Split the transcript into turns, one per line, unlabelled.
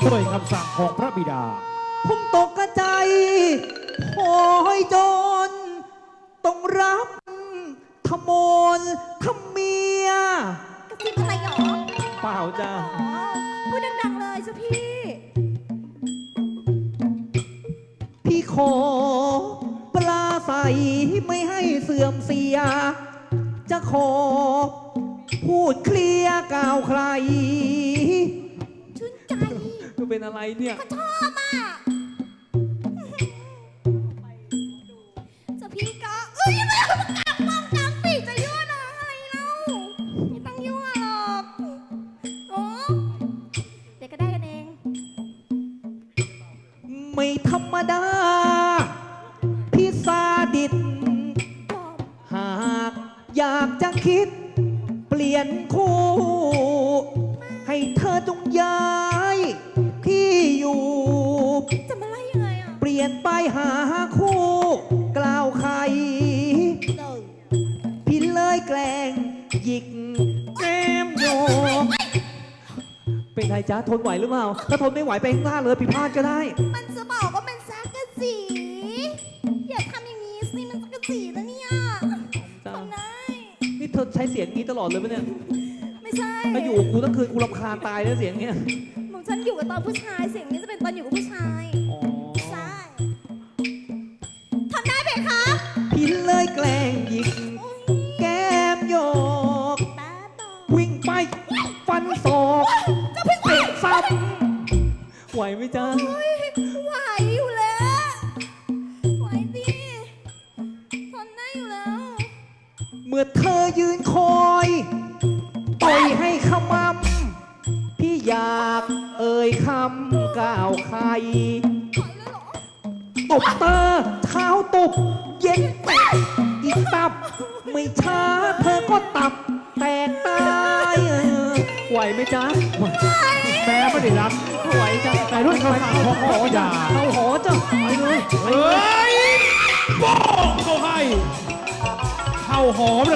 ด้วยคำสั่งของพระบิดา
ผมตกกระใจพอให้จนต้องรับทมนทำเมีย
กระซิบอะไรหรอ
เปล่าจ้า
พูดดังๆเลยจ้ะพี่
พี่ขอปลาใสไม่ให้เสื่อมเสียจะขอพูดเคลียร์กล่าวใคร
ชื่นใจ
ก็เป็นอะไรเนี่ย
ก็ชอบอ่ะจะพี่ก็เอ้ยไม่เอามากลับมองกลางปีกจะยั่วน้องอะไรเล่าไม่ต้องยั่วหรอกโอ้เด็กก็ได้กันเอง
ไม่ธรรมดาพี่ซาดิสหากอยากจะคิดเปลี่ยนคู่ให้เธอจงย้ายที่อยู่
จะมาไล่ยังไงอ่ะ
เปลี่ยนไปหาคู่กล่าวใครพี่เลยแกล้งหยิกแก้มโยกเป็นไงจ๊ะทนไหวหรือเปล่าถ้าทนไม่ไหวไปข้างหน้าเลยผิดพลาดก็ได้
มันจะบอกว่าเป็นซักกะสีอย่าทำอย่างนี้สิมันซักกะสีนะเนี่ยทำได้
นี่เธอใช้เสียงนี้ตลอดเลยไหมเนี่ย
ไม่ใช่
ถ้าอยู่กูทั้งคืนกูรำคาญตายแล้วเสียงเนี้ย
หม่อมฉันอยู่กับตอนผู้ชายเสียงนี้จะเป็นตอนอยู่กับผู้ชายใช่ทำได้ไหมคะ
พี่เลยแกล้งหยิกแก้มโยกวิ่งไปฟันศอกเตะซ้ำไหวไหมจ๊ะ
ไหวอยู่แล้วไหวดิทนได้อยู่แล้ว
เมื่อเธอยืนคอยต่อยให้ขมำพี่อยากเอ่ยคำกล่าวใครตบเตอเท้าตบเย็นแตกอีกตับไม่ช้าเธอก็ตับแตกตายไหวไหมจ๊ะ
แม่ไม่ได้รับ
ไหวจ้ะ
แต่ด้วยคำสั่งของพระบิดา
เอาหอจ้ะไปเลย
เฮ้ยโป้งเขาให้เข้าหอม